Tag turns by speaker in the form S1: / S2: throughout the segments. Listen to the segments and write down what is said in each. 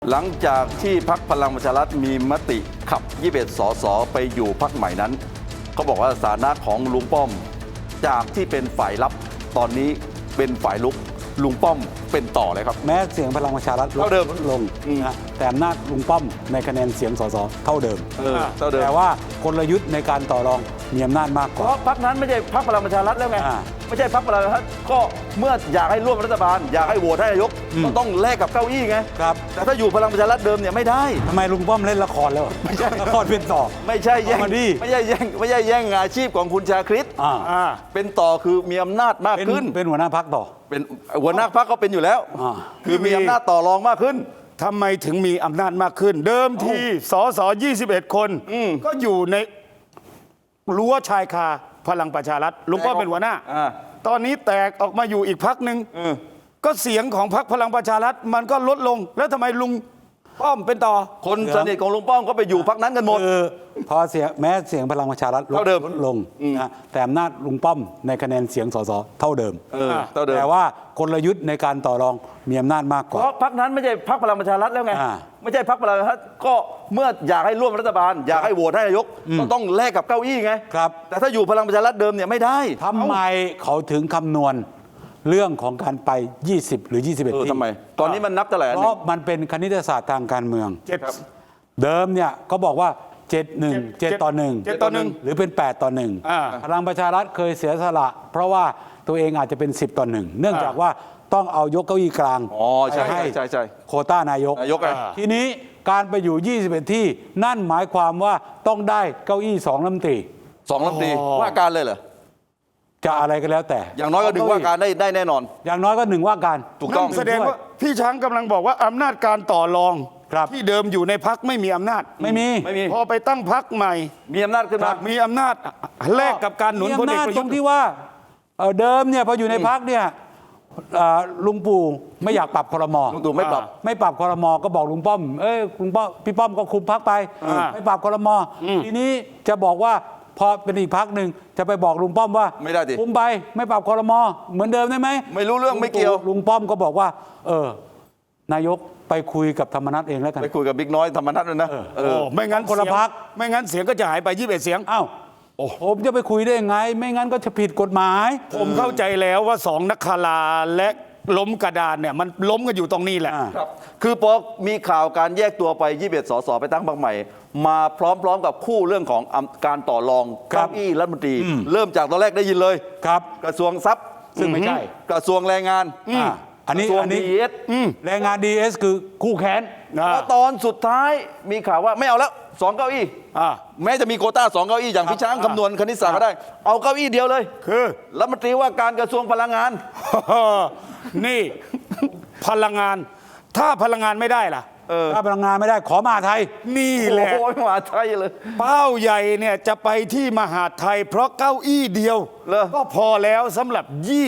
S1: หลังจากที่พรรคพลังประชารัฐมีมติขับ21 สสไปอยู่พรรคใหม่นั้นเขาบอกว่าสถานะของลุงป้อมจากที่เป็นฝ่ายรับตอนนี้เป็นฝ่ายลุกลุงป้อมเป็นต่อเลยครับ
S2: แม้เสียงพลังประชารัฐลดลงนะแต่อำนาจลุงป้อมในคะแนนเสียงสสเท่าเดิมแต่ว่ากลยุทธ์ในการต่อรองมีอำนาจมากกว่า
S1: เพราะพรรคนั้นไม่ใช่พรรคพลังประชารัฐแล้วไงไม่ใช่พรรคพลังประชารัฐก็เมื่ออยากให้ร่วมรัฐบาลอยากให้โหวตให้นายกก็ต้องแลกกับเก้าอี้ไง
S2: ครับ
S1: แต่ถ้าอยู่พลังประชารัฐเดิมเนี่ยไม่ได้
S2: ทำไมลุงป้อมเล่นละครแล้วไม่ใช่ละครเป็นต่อ
S1: ไม่ใช่แย่งไม่ใช่แย่งอาชีพของคุณชาคริตเป็นต่อคือมีอำนาจมากขึ้น
S2: เป็นหัวหน้าพรรคต่อ
S1: เป็นหัวหน้าพรรคก็เป็นอยู่แล้วคือมีอำนาจต่อรองมากขึ้น
S3: ทำไมถึงมีอำนาจมากขึ้นเดิมทีสส21 คนก็อยู่ในรั้วชายคาพลังประชารัฐลุงป้อมเป็นหัวหน้าตอนนี้แตกออกมาอยู่อีกพรรคหนึ่งก็เสียงของพรรคพลังประชารัฐมันก็ลดลงแล้วทำไมลุงป้อมเป็นต่อ
S1: คนสนิทของลุงป้อมก็ไปอยู่พรรคนั้นกันหมด
S2: พอเสียงแม้เสียงพลังประชารัฐลดลงนะแต่อำนาจลุงป้อมในคะแนนเสียงสสเท่าเดิมแต่ว่ากลยุทธ์ในการต่อรองมีอำนาจมากกว่า
S1: เพราะพรรคนั้นไม่ใช่พรรคพลังประชารัฐแล้วไงไม่ใช่พรรคพลังประชารัฐก็เมื่ออยากให้ร่วมรัฐบาลอยากให้โหวตให้นายกก็ต้องแลกกับเก้าอี้ไงแต่ถ้าอยู่พลังประชารัฐเดิมเนี่ยไม่ได้
S2: ทำไมเขาถึงคำนวณเรื่องของการไป20หรือ21ที่
S1: ทำไมตอนนี้มันนับเท่าไหร่
S2: เพราะมันเป็นคณิตศาสตร์ทางการเมืองเดิมเนี่ยเขาบอกว่า7 ต่อ 1หรือเป็น8 ต่อ 1พลังประชารัฐเคยเสียสละเพราะว่าตัวเองอาจจะเป็น10 ต่อ 1เนื่องจากว่าต้องเอายกเก้าอี้กลาง
S1: ให้
S2: โควต้านายกทีนี้การไปอยู่21ที่นั่นหมายความว่าต้องได้เก้าอี้2 รัฐมนตรี
S1: 2 รัฐมนตรีว่าการเลยเหรอ
S2: จะอะไรก็แล้วแต่
S1: อย่างน้อยก็1ว่าการได้แน่นอน
S2: อย่างน้อยก็1ว่าการ
S1: ถูกต้อง
S3: แสดงว่าพี่ช้างกำลังบอกว่าอำนาจการต่อรองที่เดิมอยู่ในพรรคไม่มีอำนาจ
S2: ไม่มี
S3: พอไปตั้งพรรคใหม่
S1: มีอำนาจขึ้นมา
S3: มีอำนาจแลกกับการหนุนพลเอกประยุทธ์
S2: ที่ว่าเดิมเนี่ยพออยู่ในพรรคเนี่ยลุงปู่ไม่อยากปรับครม.
S1: ลุงตู่ไม่ป
S2: รับครม.ก็บอกลุงป้อมลุงป้อมพี่ป้อมก็คุมพรรคไปไม่ปรับครม.ทีนี้จะบอกว่าพอเป็นอีกพรรคหนึ่งจะไปบอกลุงป้อมว่า
S1: ไม่ได้ดิ
S2: คุมไปไม่ปรับครม.เหมือนเดิมได้ไหม
S1: ไม่รู้เรื่องไม่เกี่ยว
S2: ลุงป้อมก็บอกว่านายกไปคุยกับธรรมนัสเองแล้วกัน
S1: ไปคุยกับบิ๊กน้อยธรรมนัสด้วยนะ
S3: ไม่งั้น
S2: คนละพรรค
S3: ไม่งั้นเสียงก็จะหายไป21 เสียง
S2: อ้าวผมจะไปคุยได้ยังไงไม่งั้นก็จะผิดกฎหมาย
S3: ผมเข้าใจแล้วว่า2 นักคาราและล้มกระดานเนี่ยมันล้มกันอยู่ตรงนี้แหละ
S1: คือพอมีข่าวการแยกตัวไป21 สสไปตั้งพรรคใหม่มาพร้อมกับคู่เรื่องของการต่อรองเก้าอี้รัฐมนตรีเริ่มจากตอนแรกได้ยินเลยกระทรวงทรัพย์
S2: ซึ่งไม่ใช่
S1: กระทรวงแรงงาน
S2: อันนี้DES แรงงาน DES คือคู่แข่ง
S1: แล้วตอนสุดท้ายมีข่าวว่าไม่เอาแล้ว2 เก้าอี้แม้จะมีโควต้า2 เก้าอี้อย่างพี่ช้างคำนวณคณิตศาสตร์ก็ได้เอาเก้าอี้เดียวเลย
S3: คือ
S1: รัฐมนตรีว่าการกระทรวงพลังงาน
S3: นี่พลังงานถ้าพลังงานไม่ได้ล่ะ
S2: ถ้าพลังงานไม่ได้ขอมหาไทย
S3: นี่แหละ
S1: มหาไทยเลย
S3: เป้าใหญ่เนี่ยจะไปที่มหาไทยเพราะเก้าอี้เดียวก็พอแล้วสำหรับ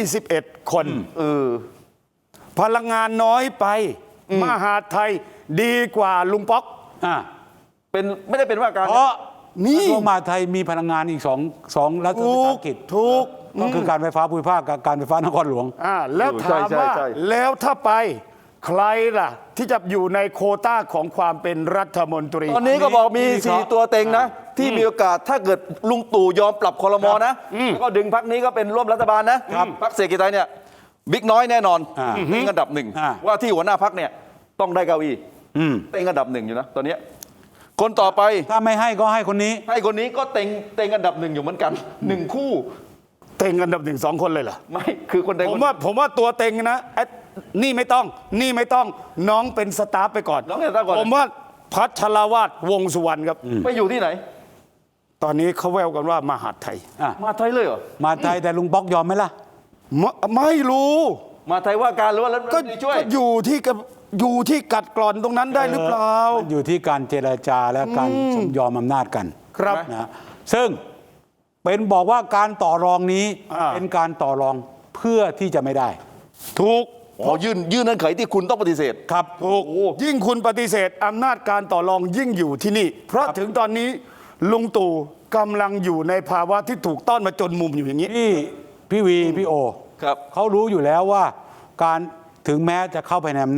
S3: 21 คนพลังงานน้อยไปมหาไทยดีกว่าลุงป๊อก
S1: เป็นไม่ได้เป็นว่าการ
S2: เพราะนี่มหาไทยมีพลังงานอีกสองรัฐวิสาหกิจ
S3: ถูก
S2: ก็คือการไฟฟ้าภูมิภาคกับการไฟฟ้านครหลวง
S3: แล้วถามว่าแล้วถ้าไปใครล่ะที่จะอยู่ในโควต้าของความเป็นรัฐมนตรี
S1: ตอนนี้ก็บอกมี4 ตัวเต็งนะที่มีโอกาสถ้าเกิดลุงตู่ยอมปรับครม.นะก็ดึงพรรคนี้ก็เป็นร่วมรัฐบาลนะพรรคเศรษฐกิจไทยเนี่ยบิ๊กน้อยแน่นอนเต็งอันดับ1ว่าที่หัวหน้าพรรคเนี่ยต้องได้เก้าอี้เต็งอันดับ1อยู่นะตอนนี้คนต่อไป
S2: ถ้าไม่ให้ก็ให้คนนี้
S1: ก็เต็งอันดับ1อยู่เหมือนกัน1 คู่
S3: เต็งอันดับ1 2 คนเลยเหรอ
S1: ไม่คือคนใด
S3: ผมว่าตัวเต็งนะนี่ไม่ต้องน้องเป็นสตาฟไปก่อนผมว่าพัชรวาทวงสุวรรณครับ
S1: ไปอยู่ที่ไหน
S3: ตอนนี้เขาแววกันว่ามหาไทย
S1: มหาไทยเลยเหรอ
S2: มหาไทยแต่ลุงป๊อกยอมไหมล่ะ
S3: ไม่รู้
S1: มหาไทยว่าการหรือว่ารัฐมนตรีช่วย
S3: ก็อยู่ที่กัดกร่อนตรงนั้นได้หรือเปล่า
S2: อยู่ที่การเจรจาและการสมยอมอำนาจกัน
S3: ครับ
S2: นะซึ่งเป็นบอกว่าการต่อรองนี้เป็นการต่อรองเพื่อที่จะไม่ได้
S3: ถูก
S1: พอยื่นเงื่อนไขที่คุณต้องปฏิเสธ
S3: ครับถูกยิ่งคุณปฏิเสธอำนาจการต่อรองยิ่งอยู่ที่นี่เพราะถึงตอนนี้ลุงตู่กำลังอยู่ในภาวะที่ถูกต้อนมาจนมุมอยู่อย่างนี้
S2: พี่วีพี่โอเขารู้อยู่แล้วว่าการถึงแม้จะเข้าไปในอำนาจ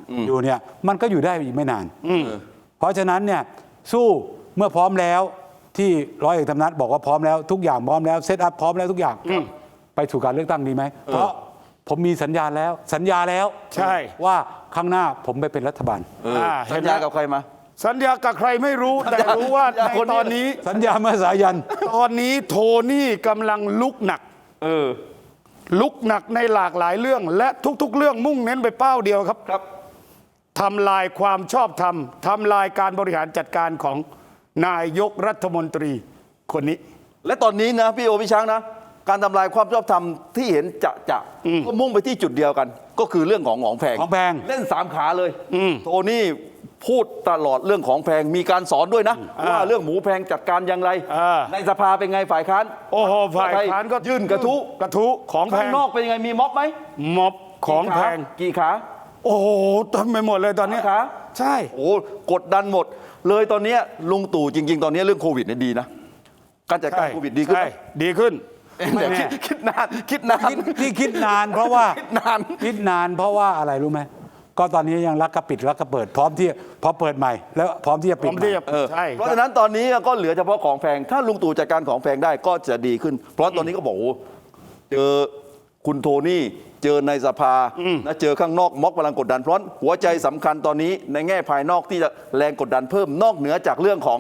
S2: อยู่เนี่ยมันก็อยู่ได้อีกไม่นาน เพราะฉะนั้นเนี่ยสู้เมื่อพร้อมแล้วที่ร้อยเอกธรรมนัฐบอกว่าพร้อมแล้วทุกอย่างพร้อมแล้วเซตอัพพร้อมแล้วทุกอย่างไปสู่การเลือกตั้งดีไหมเพราะผมมีสัญญาแล้ว
S3: ใช่
S2: ว่าข้างหน้าผมไปเป็นรัฐบาล
S1: สัญญากับใครมา
S3: สัญญากับใครไม่รู้แต่รู้ว่าในตอนนี้
S2: สัญญาเมื่อสายัน
S3: ตอนนี้โทนี่กำลังลุกหนักลุกหนักในหลากหลายเรื่อง และทุกๆเรื่องมุ่งเน้นไปเป้าเดียวครับ
S1: ครับ
S3: ทำลายความชอบธรรมทำลายการบริหารจัดการของนายกรัฐมนตรีคนนี้
S1: และตอนนี้นะพี่โอพี่ช้างนะการทำลายความชอบธรรมที่เห็นจะก็มุ่งไปที่จุดเดียวกัน ก็คือเรื่องของแพง
S2: ของแพง
S1: เล่น3 ขาเลยโทนี่พูดตลอดเรื่องของแพงมีการสอนด้วยนะว่าเรื่องหมูแพงจัดการอย่างไรในสภาเป็นไงฝ่ายค้าน
S3: โอ้โหฝ่ายค้านก็
S1: ยื่นกระทู้
S3: ของแพ
S1: ข้าง งนอกเป็นยังไงมีม็อบไหม
S3: ม็อบของแพง
S1: กี่ขา
S3: โอ้โหทำไปหมดเลยตอนนี้
S1: ขา
S3: ใช่
S1: โอ้กดดันหมดเลยตอนนี้ลุงตู่จริง ๆ ตอนนี้เรื่องโควิดเนี่ยดีนะการจัดการโควิดดีขึ้น
S3: ใช่ดีขึ้น
S1: แต่คิดนาน
S2: ที่คิดนานเพราะว่า
S1: คิดนาน
S2: เพราะว่าอะไรรู้ไหมก็ตอนนี้ยังรักกระปิดรักกระเปิดพร้อมเปิดใหม่ แล้วพร้อมที่จะปิด
S3: พร้อมที่จะ ใช่
S1: เพราะฉะนั้นตอนนี้ก็เหลือเฉพาะของแพงถ้าลุงตู่จัดการของแพงได้ก็จะดีขึ้น เพราะตอนนี้ก็บอกโอ้เจอคุณโทนี่เจอในสภานะเจอข้างนอกม็อกพลังกดดันเพราะหัวใจสำคัญตอนนี้ในแง่ภายนอกที่จะแรงกดดันเพิ่มนอกเหนือจากเรื่องของ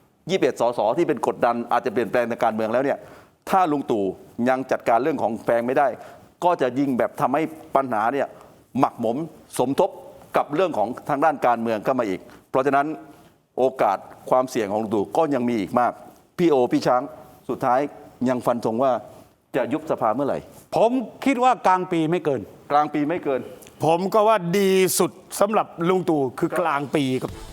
S1: 21 สสที่เป็นกดดันอาจจะเปลี่ยนแปลงทางการเมืองแล้วเนี่ยถ้าลุงตู่ยังจัดการเรื่องของแพงไม่ได้ ก็จะยิ่งแบบทำให้ปัญหาเนี่ยหมักหมมสมทบกับเรื่องของทางด้านการเมืองเข้ามาอีก เพราะฉะนั้นโอกาสความเสี่ยงของลุงตู่ก็ยังมีอีกมากพี่โอพี่ช้างสุดท้ายยังฟันธงว่าจะยุบสภาเมื่อไหร่
S2: ผมคิดว่ากลางปีไม่เกิน
S1: กลางปีไม่เกิน
S3: ผมก็ว่าดีสุดสำหรับลุงตู่คือกลางปีครับ